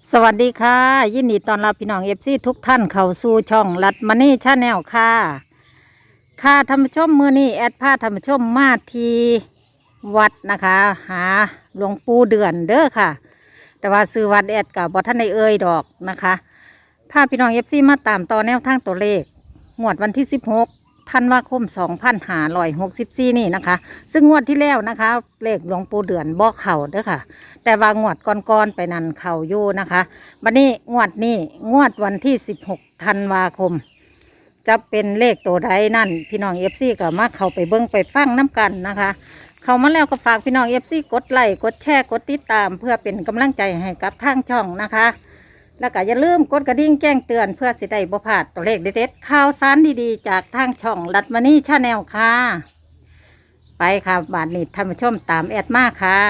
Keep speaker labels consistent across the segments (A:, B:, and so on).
A: สวัสดีค่ะยินดีต้อนรับพี่น้องเอฟซีทุกท่านเข้าสู่ช่องรัดมานี่ชาแนลค่ะท่านผู้ชมมื้อนี้แอดพาท่านผู้ชมมาที่วัดนะคะ หาหลวงปู่เดือนเด้อค่ะ แต่ว่าซื้อวัดแอดกับบ่ท่านได้เอ่ยดอกนะคะพาพี่น้องเอฟซีมาตามต่อแนวทางตัวเลขงวดวันที่16ธันวาคม2564นี่นะคะ ซึ่งงวดที่แล้วนะคะเลขหลวงปู่เดือนบ่เข้าเด้อค่ะ แต่ว่างวดก่อนๆไปนั่นเข้าอยู่นะคะบัดนี้งวดวันที่16ธันวาคมจะเป็นเลขตัวใดนั่นพี่น้องเอฟซีก็มาเข้าไปเบิ่งไปฟังน้ำกันนะคะ เข้ามาแล้วก็ฝากพี่น้องเอฟซีกดไลค์กดแชร์กดติดตามเพื่อเป็นกำลังใจให้กับทางช่องนะคะ แล้วก็อย่าลืมกดกระดิ่งแจ้งเตือนเพื่อสิได้บ่พลาดตัวเลขเด็ดๆข่าวสารดีๆจากทางช่องรัดมานี่ชาแนลค่ะไปค่ะบาทนี้ท่านผู้ชมตามแอดมาค่ะ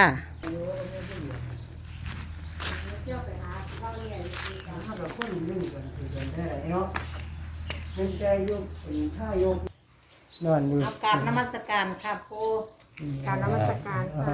B: เป็นใจยกเป็นท่ายกนอนอยู่
A: เอาการนมัสการค่ะปู
C: การนมัสการค่ะ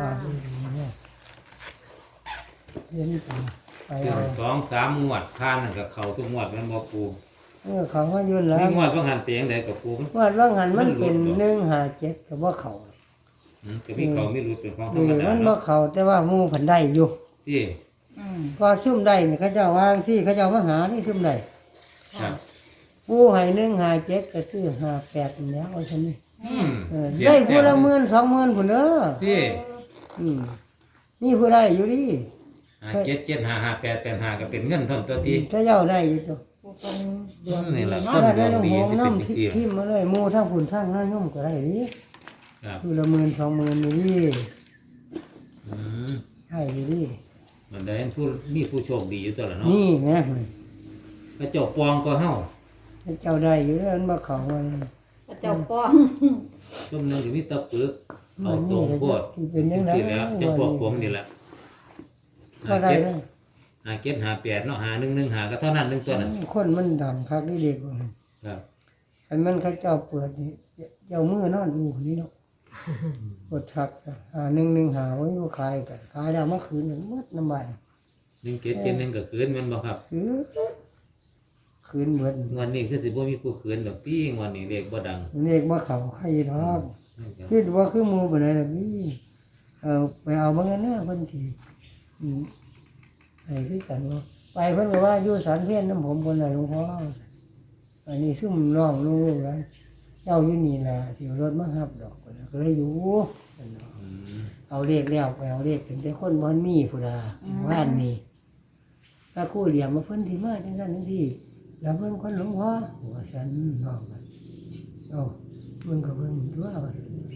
B: เรียนไป
D: 2-3 งวดผ่านนั่นก็เข้าทุกงวดแม่นบ่ปู
B: เขามายืนแล้ว
D: มีงวดบ่หันเตียงใดกับปู
B: ว่าว่างหันมันเป็น157กับว่าเขา
D: ก็มีเขามีรุดเป็นของธร
B: นี่
D: รมดา
B: มันบ่
D: เนาะ
B: เขาแต่ว่าหมู่เพิ่นได้อยู่
D: ที่
B: ก็ซุ่มได้นี่เขาเจ้าวางที่เขาเจ้ามาหานี่ซุ่มได้
D: ครับ
B: ผู้ให้157ก็ซื้อ58นี่แล้วเอาซั่นนี่
D: เสีย
B: ได้
D: แต้
B: ผู้
D: ม
B: ละ10,000 20,000พุ่นเด้อ
D: ที่
B: มีผู้ได้อยู่ดิ
D: 7755885ก็เป็นเงินเท่าตัวที่
B: เขาเจ้าได้อยู่ตัว
A: ปูเป็น
D: นี่ล่ะ
B: ก็
D: คน
B: ได้
D: ดวง
B: น้ำ
D: ดี
B: หอม
D: สิเป็น
B: น้ำ
D: จังซี่
B: ทิมมาเลยหมู่ทั้งพุ่นทั้งน้าย่อมก็ได้ดิ
D: ครับ
B: ผู้ละ10,000 20,000นี่
D: อืม
B: ใช่ดิ
D: มันได้ผู้มีผู้โชคดีอยู่ตัวละเนาะ
B: นี่แม่
D: พระเจ้าปองก็เฮา
B: เจ้าได้อยู่แล้วมันมาเขาไว้
A: พระเจ้าป้อง
D: ซุ่มหนึงก็มีแตะปึกเอาตรงโพด
B: ที่เป็นยังไง
D: สิแล้วเจ้าพวกผมนี่แหละ
B: ก็ได้เลย
D: 5758เนาะ5115ก็เท่านั้นหนึงตัวนั้น
B: คนมันดังคักได้เด็กว่า
D: ครับ
B: อันมันเขาเจ้าเปิดนี่เจ้ามือนอนอยู่นี่เนาะกดชัก115ไว้บ่ขายกันขายแล้วเมื่อคืนนึงหมดน้ำบาน
D: 1771ก็คืนแม่นบ่ครับ
B: คือคืนเบิด
D: งวดนี้คือสิบ่มีผู้คืนดอกพี่งวดนี้เลขบ่ดัง
B: เลขบ่เข้าใครดอกคิดว่าคือหมู่บ่ได้ล่ะพี่ไปเอาบ่งั้นนะเพิ่นสิไอ้คือกันว่าไปเพิ่นก็ว่าอยู่สารเพียนน้ำผมบนน่ะหลวงพ่ออันนี้ซุ่มน้องลูกแล้วเจ้าอยู่นี่ล่ะสิรถมารับดอกก็เลยอยู่
D: อืม
B: เอาเลขแล้วไปเอาเลขถึงแต่คนบ่มีพุ่นล่ะว่านนี่ถ้าครู่เหลี่ยมมาเพิ่นสิมาจังซั่นจังซี่แล้วเพิ่นคนหลวงพ่อว่าฉันน้องกันเพิ่นก็เพิ่นตัวว่า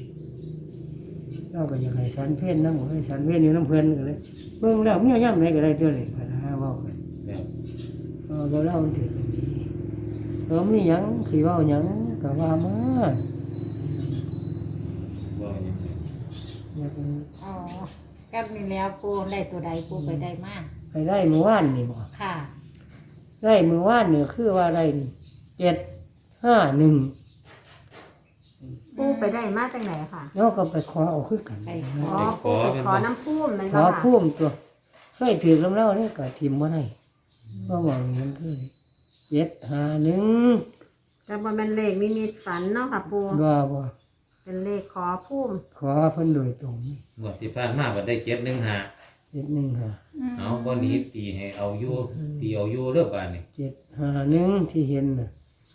B: เราก็อยากให้สันเพี้ยนน้ำให้สันเพี้ยนอยู่น้ำเพิ่นก็เลยเบิ่งแล้วเมียย่ำไหนก็ได้ตัวเลยพนะเว้ากัน
D: ครับ
B: เราเล่ามันถือกันดีมีหยังสิเว้าหยังก็ว่ามา
D: บ่หยัง
B: อยาก
A: อ๋อก็มีแล้วปูได้ตัวใดปูไปได้มาก
B: ไปได้เมื่อวานนี่บ่
A: ค่ะ
B: ได้เมื่อวานนี่คือว่าได้751
C: ปูไปได้มาจากไหนค่ะ
B: แล้วก็ไปขอเอาคือกัน
A: ไป
C: อ๋อปูไปขอน้ำพุ่มนั่น
B: ข
C: ก็
B: อ
C: ค่ะ
B: พุ่มตัวเคยถือลำเล่านี่ก็ทิมบ่ได้ก็มองนี่มันคือ751
C: แต่ว่าเป็นเลขนิมิตฝันเนาะค่ะปู
B: บ่
C: เป็นเลขขอพุ่ม
B: ขอเพิ่นโดยตรง
D: งวดที่ผ่านมาบ่ได้715
B: 715
D: เอาบ่หนีตีให้เอาอยู่ตีเอาอยู่เด้อบาดนี้
B: 751ที่เห็นน่ะ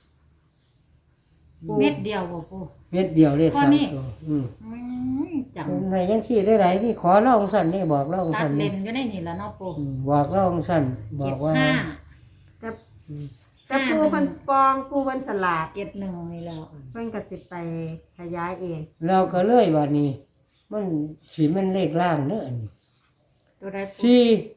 A: เม็ดเดียวบ่ปู
B: เม็ดเดียวเลข
A: ข้อ
B: 3
A: นี้
B: ตัว
A: จัง
B: ในยังชี้ได้ไหนนี่ขอเล่าของสั่นนี่บอกเล่าของ
A: ตั
B: สั่
A: ด
B: น
A: เล
B: นี่
A: นอยู่ในนี่แล้วเนาะปู
B: บอกเล่าของสั่นบอกว่า
A: 75
C: แต่แต่ปูเพิ่นปองปูเพิ่นสลาด
A: 71นี่แล้ว
C: เพิ่นก็สิไปขยายเอง
B: เราก็เลยว่านี่มันสีมันเลขล่างเด้ออันนี้
A: ตัวใดปู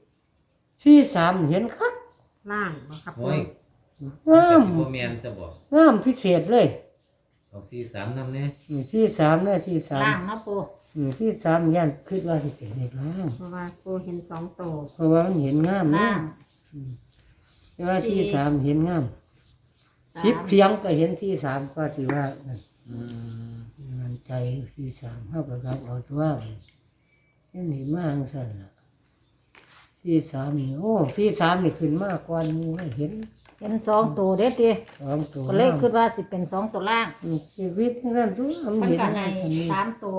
B: 4 3เห็นคัก
C: ล่างบ่ครับปู
D: โอ้ย
B: งาม
D: บ่แม่นซะบ่
B: งามพิเศษเลย
D: เอา43นำแน่
B: 43นะ
A: ล่างเนาะปู
B: 43ย่านคิดว่าสิเป็นเลขล่าง
C: เพราะว่าปูเห็น2โต
B: เพราะว่ามันเห็นงามเน
A: ล่า
B: อะ
A: ง
B: แต่ว่าที่3เห็นงาม
A: สาม
B: 10เสียงก็เห็นที่3ก็สิว่านั่น
D: อืม
B: มันใจที่3เฮาก็ครับเอาตัวนี่มากสั่นล่ะ 43นี่โอ้43นี่ขึ้นมากกว่านี้เห็น
A: เป็นสองตัวเด็ดดิ
B: 2ตัว
A: ก็เลยคิดว่าสิเป็นสองตัวล่าง
B: ชีวิตนั่นตัวมัน
A: มัน
B: เห็น
A: ก็ไง
B: อันนี้
A: สามตัว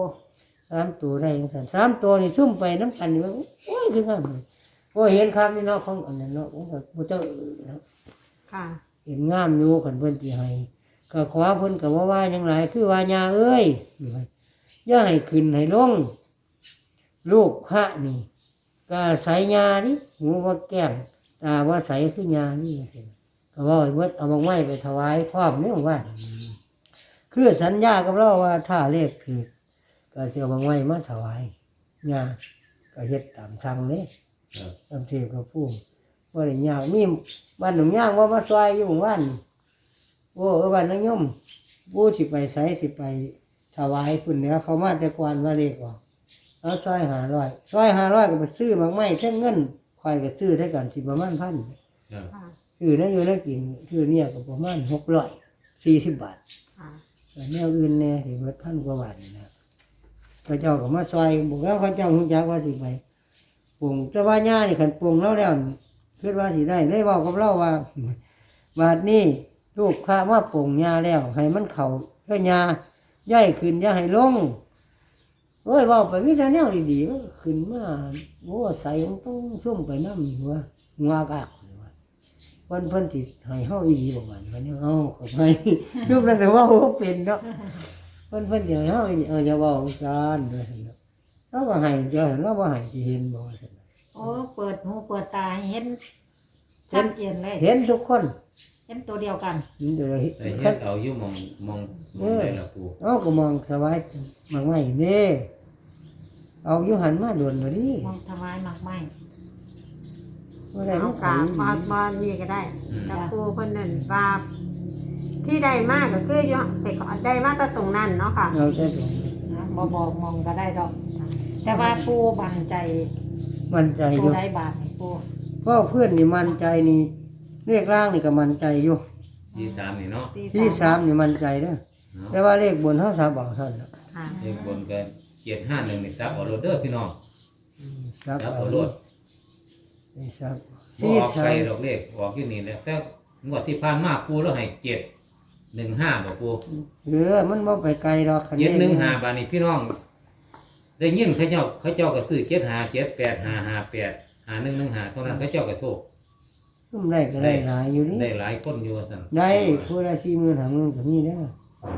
B: 3ตัวได้จังซั่น3ตัวนี่ซุ่มไปน้ำกันนี่ว่าโอ้ยคืองามเลยโอ้ยเห็นครับนี่เนาะของอันนั้นเนาะผมก็บ่เจ้าเนาะ
C: ค่ะ
B: เห็นงามอยู่คันเพิ่นสิให้ก็ขอเพิ่นก็ว่าหยังหลายคือว่าญาเอ้ยอย่าให้ขึ้นให้ลงลูกพระนี่ก็ใส่ญานี่หูว่าแก้มตาว่าใสคือญานี่ก็ว่าให้เบิดเอามาไว้ไปถวายพร้อมนี่ว่าคือสัญญากับเราว่าถ้าเลขผิดก็สิเอามาไว้มาถวายญาก็เฮ็ดตามทางนี้
D: ครับ
B: ตามที่พระผู้บ่ได้ยากมีบ้านหนองย่างว่ามาซอยอยู่หมู่บ้านโอ้บ้านนางยมผู้สิไปไสสิไปถวายพุ่นแล้วเขามาแต่ก่อนว่าเลขออกเอาซอย500ซอย500ก็ไปซื้อมากไม้เท่าเงินข่อยก็ซื้อได้กันสิประมาณ 1,000
D: ครับ
C: ค่ะ
B: ซื้อนั้นอยู่นั้นกินซื้อเนี่ยก็ประมาณ640 บาท
C: ค่ะ
B: แต่แนวอื่นเนี่ยสิเบิด1,000 กว่าบาทนี่นะพระเจ้าก็มาซอยบอกแล้วเขาเจ้าฮู้จักว่าสิไปปรุงแต่ว่าย่านี่คันปรุงแล้วนี่คิดว่าสิได้เว้ากับเราว่า บาดนี้ลูกข้ามาปรุงย่าแล้ว ให้มันเข้าเพื่อย่าย่ายขึ้นอย่าให้ลงโอ้ยเว้าไปมีแต่แนวดีๆมันก็ขึ้นมาโอ้ใส่มันต้องซุ่มไปนำหัวงัวกากว่าเพิ่นสิให้เฮาอีหลีบ่มันวันนี้เฮาก็ไป ยุบนั้นแต่ว่าบ่เป็นเนาะเพิ่นสิให้เฮาอีหลีอย่าเว้าซ่านว่าซั่นเนาะเราก็ให้เจ้าเราบ่ให้สิเห็นบ่ว่าซั่น
A: โอ้เปิดหูเปิดตาให้เห็นชัดเจนเลย
B: เห็นทุกคน
A: เห็นตัวเดียวกัน
B: เห็นเดี๋ยว
D: แต่เฮ็ดเอาอยู่มองได้ละปู
B: เอาก็มองสบายมากไม่เด้เอาอยู่หันมาโดนเลยดิ
A: มองทำไมมากไม่
B: ว่าได้
C: เอา
B: มัน
C: กา
B: ขาย
C: มานี่ก็ได้แต่ครูคนนั้นว่าที่ได้มากก็คืออยู่ไปขอได้มาแต่ตรงนั้นเนาะค่ะ
B: เราจะตรง
A: นะบบอกมองก็ได้ดอก แต่ว่าปูบังใจ
B: มันใจอ
A: ปู
B: ยู่
A: ได้บาทนี่ปู
B: เพราะเพื่อนนี่มันใจนี่เลขล่างนี่ก็มันใจอยู่
D: 43นี่เนาะ
B: ที่3นี่มันใจเด้อ
D: เนาะ
B: แต่ว่าเลขบนเฮาสาบเอาเท่านั้น
C: ค่ะ
D: เลขบนก็751นี่ซับเอาโลดเด้อพี่น้อง
B: สาบ
D: ซับ
B: เอา
D: เอาโลด
B: นี่ครับ
D: บ่ออกไกลดอกเลขออกอยู่นี่แหละแต่งวดที่ผ่านมาปูแล้วให้715บ่ปู
B: มันบ่ไปไกลดอกคัน
D: 715บาดนี้พี่น้อง ได้ยินเขาเจ้าก็ซื้อ75 78 558 5115เท่านั้นเขาเจ้าก็โชค
B: ซุ่มได้ก็ได้หลายอยู่นี่
D: ได้หลายคนอยู่ว่าซั่น
B: ได้ผู้ละ40,000 50,000ก็มีเด้อ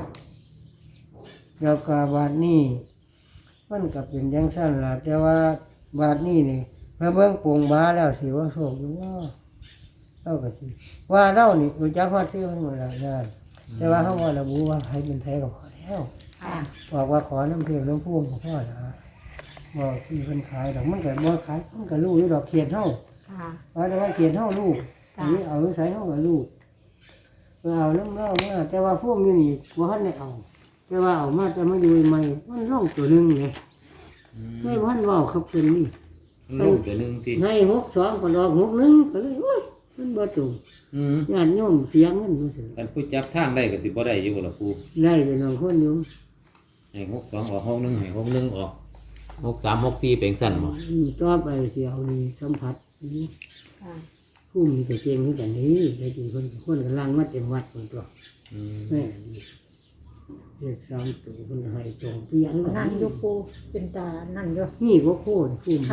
B: แล้วก็บาทนี้มันก็เป็นจังซั่นล่ะแต่ว่าบาทนี้นี่พระเบิ่งโปร่งบาแล้วสิว่าโชคอยู่ว่าเราก็สิว่าเรานี่รู้จักฮอดซื้อมันหมดแล้วนะแต่ว่าเฮาว่าระบุว่าให้เป็นไทยก็พอแล้ว
A: ค่ะ
B: บอกว่าขอน้ำเพียงน้ำพุ่มก็พอแล้วบอกที่เพิ่นขายดอกมันก็บ่ขายมันก็รู้อยู่ดอกเขียนเฮา
C: ค่ะ
B: ว่าแต่ว่าเขียนเฮาลูก
C: จ้ะ
B: นี่เอาใส่เฮาก็ลูกเอาน้ำเล่ามาแต่ว่าพุ่มอยู่นี่บ่ทันได้เอาแต่ว่าเอามาแต่มาอยู่ใหม่มันลงตัวหนึงไงไม่ทันเว้าครับเพิ่นนี่
D: ลงตัวหนึงที่
B: ให้62ก็ดอก61ก็เลยโอ้ยมันบ่ตรง
D: อืม
B: ญาติโยมเสียเงินบ่สิ
D: กันผู้จับทางได้ก็สิบ่ได้อยู่ล่ะปู
B: ได้เป็นบางคนอยู่
D: ให้62ออก61ให้61ออก63 64เป็นสั่นบ่
B: ต่อไปสิเอานี่สัมผัสนี่
C: ค่ะ
B: ผู้มีแต่เจงคือกันนี้ได้จริงคนกำลังมาเต็มวัดหมดตัว
D: อืม
B: แม่นี่เลข3ตัวคนให้ตรงเปียง
A: นั่นอยู่ปูเป็นตานั่นอยู่
B: นี่ก็โคตรผู้มี
A: ค่ะ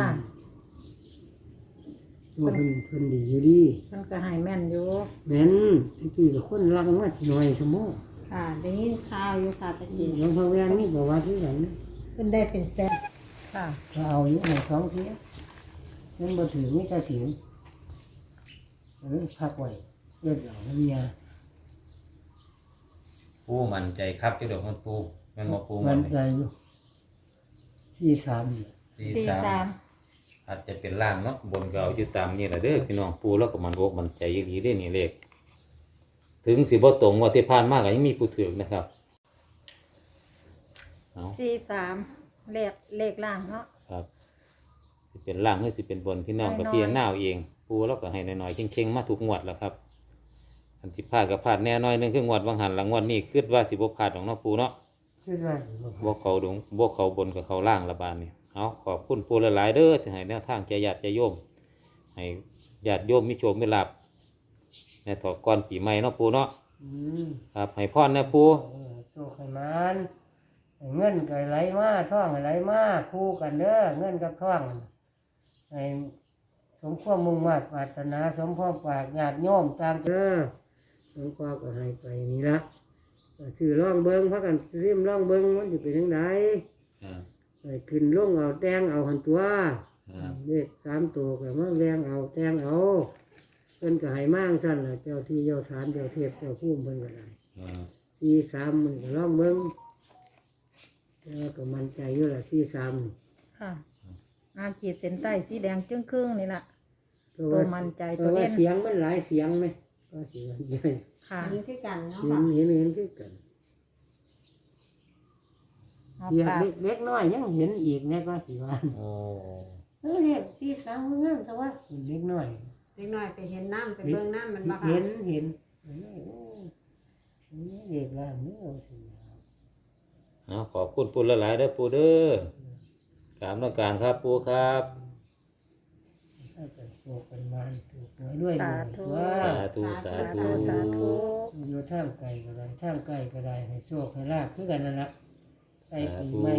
B: ตัวเพิ่นดีอยู่ดี
A: มันก็ให้แม่นอยู่
B: แม่นตะกี้ก็คนรังมาสิหน่อยสมอ
C: ค่ะได้ยินข่าวอยู่ค่ะตะกี้
B: หลวงพ่อแวนมีประวัติคือกันนะ
A: เป็นได้เป็นแสนค่ะ
B: ถ้าเอาอยู่ในท้องเสียมันบ่ถือมีแต่สิวพักไว้เลือดเอาน้ำยา
D: ปูมั่นใจครับเจ้าดอกมันปูแม่นบ่ปู
B: มั
D: มัน น
B: ใจอยู่ที่3นี่
A: 43
D: อาจจะเป็นล่างเนาะบนก็เอาอยู่ตามนี่แหละเด้อพี่น้องปูแล้วก็มันอกมันใจอีหลีเด้อนี่เลขถึงสิบ่ตรงว่าที่ผ่านมาก็ยังมีผู้ถือนะครับเอา
A: 43เลขล่างเนาะ
D: ครับสิเป็นล่างหรือสิเป็นบนพี่น้องกับ
A: น้อยๆ
D: พี่น้าเอาเองปูแล้วก็ให้น้อยๆเข่งๆมาทุกงวดแล้วครับอันที่พลาดก็พลาดแน่น้อยหนึงคืองวดบางหันหลังงวดนี้คิดว่าสิบ่พลาดของเนาะปูเนาะ
B: คิดว่าสิบ่
D: บ่เขาดงบ่เขาบนกับเขาล่างละบาดนี่เอาขอบคุณปูหลายๆเด้อที่ให้แนวทางแก่ญาติแก่โยมให้ญาติโยมมีโชคมีลาภในถอก่อนปีใหม่เนาะปูเนาะ
B: อืม
D: ครับให้พรนะปู
B: โชคให้มันให้เงินก็ไหลมาท่องก็ไหลมาคู่กันเด้อเงินกับท่องให้สมความมุ่งมั่นปรารถนาสมความปรากญาติโยมตามเด้อหลวงพ่อก็ให้ไปนี่ละก็ซื้อร่องเบิงพักกันซิมร่องเบิงมันจะเป็นยังไง
D: ครับ
B: ไปขึ้นลงเอาแตงเอาหันตัว
D: ครับ
B: เลข3 ตัวก็มาแรงเอาแตงเอาเพิ่นก็ให้มากสั่นล่ะเจ้าที่เจ้าฐานเจ้าเทพเจ้าภูมิเพิ่นก็ได้
D: ครับ
B: 43มันก็ร่องเบิงแล้วก็มั่นใจอยู่ล่ะ43
A: ค่ะขีดเส้นใต้สีแดงจึ้งครึ่งนี่ล่ะ
B: เพราะ
A: ตัวมั่นใจ
B: เพ
A: ตัว
B: ราะว่า
A: เล่น
B: เสียงมันหลายเสียงไหมก็เสียงใหญ่
A: ค่ะ
C: อันนี้คือกันเนาะ
B: เห็
C: ค่ะ
B: นเห็นคือกัน
A: เอา
B: เสียง
A: ปาก
B: เล็กน้อยยังเห็นอีกแม่ก็สิว่า
D: โอ้
B: เรียก43มันงามแต่ว่าเล็กน้อย
C: เล็กน้อยไปเห็นน้ำไปเบิ่งน้ำมันบ่ค่ะ
B: เห็นเห็นโอ้เด็กล่างนี่เอาสิ
D: เอาขอบคุณปูหลายๆเด้อปูเด้อกราบนมักการครับปูครับ
B: ถ้าเกิดโชคเป็นมันถูกหวยด้วย
A: สาธุ
B: ว่า
D: สาธุสาธุ
A: สาธุ
B: อยู่ท่ามไกลก็ได้ท่ามไกลก็ได้ให้โชคให้ลาภคือกันนั่นละใส่ปี
D: สาธุ
B: ใหม่